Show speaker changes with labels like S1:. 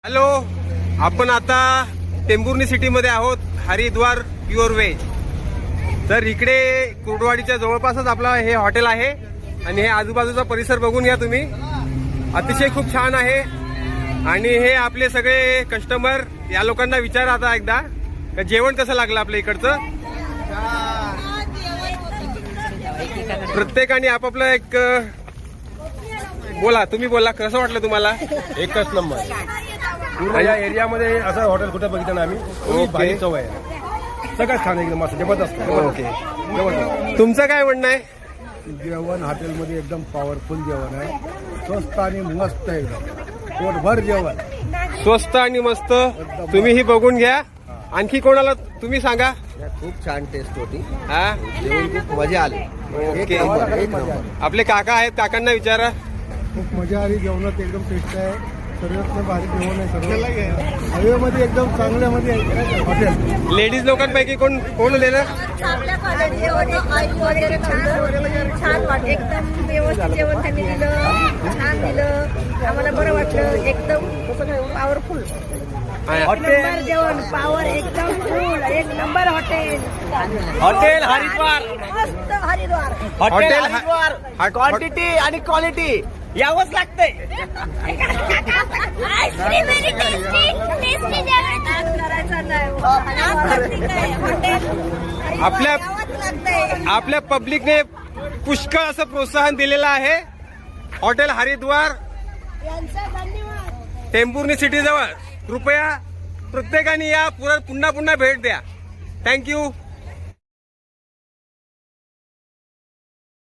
S1: Hello, आपण आता टेंभुर्णी सिटीमध्ये आहोत. Haridwar pure veg. तर इकडे कुर्डवाडीच्या जवळपासच आपला हे हॉटेल आहे आणि हे आजूबाजूचा परिसर बघून घ्या तुम्ही. अतिशय खूप छान आहे. आणि हे आपले सगळे कस्टमर, या लोकांना विचारा आता एकदा का जेवण कसं लागलं आपल्या इकडचं. प्रत्येकाने आपापलं एक बोला, तुम्ही बोला कसं वाटलं तुम्हाला.
S2: एकच नंबर. पूर्ण या एरियामध्ये असं हॉटेल कुठे बघितलं ना आम्ही. भारी चव आहे, सगळं छान एकदम मस्त जबरदस्त.
S1: ओके,
S2: जबरदस्त
S1: तुमचं काय म्हणणं आहे.
S3: जेवण हॉटेलमध्ये एकदम पॉवरफुल जेवण आहे. स्वस्त आणि मस्त एकदम पोटभर जेवण.
S1: स्वस्त आणि मस्त. तुम्हीही बघून घ्या. आणखी कोणाला तुम्ही सांगा.
S4: खूप छान टेस्ट होती.
S1: हा,
S4: जेवण खूप मजा आली.
S1: ओके. आपले काका आहेत, काकांना विचारा.
S3: खूप मजा आली. जेवणात एकदम टेस्ट आहे. सर्वात भारी जेवण आहे. सर्व हवेमध्ये एकदम चांगल्यामध्ये आहे हॉटेल.
S1: लेडीज लोकांपैकी कोण कोण दिलं.
S5: चांगल्या क्वालिटी वगैरे छान वाटलं. एकदम व्यवस्थित जेवण त्यांनी दिलं, छान दिलं. आम्हाला बरं वाटलं. एकदम पॉवरफुल. नंबर जेवण, पॉवर एकदम फुल. एक नंबर हॉटेल.
S4: हॉटेल हरिद्वार.
S5: मस्त Haridwar.
S4: Hotel
S1: hotel
S4: Haridwar. Quantity आणि क्वालिटी यावंच लागतंय.
S5: आईस्क्रीम व्हेरी टेस्टी जेवण. करायचं नाही. हॉटेल
S1: आपल्या पब्लिकने पुष्कळ असं प्रोत्साहन दिलेलं आहे. हॉटेल हरिद्वार,
S5: यांचा धन्यवाद.
S1: टेंभुर्णी सिटी जवळ. कृपया प्रत्येकाने या पुन्हा भेट द्या. थँक्यू.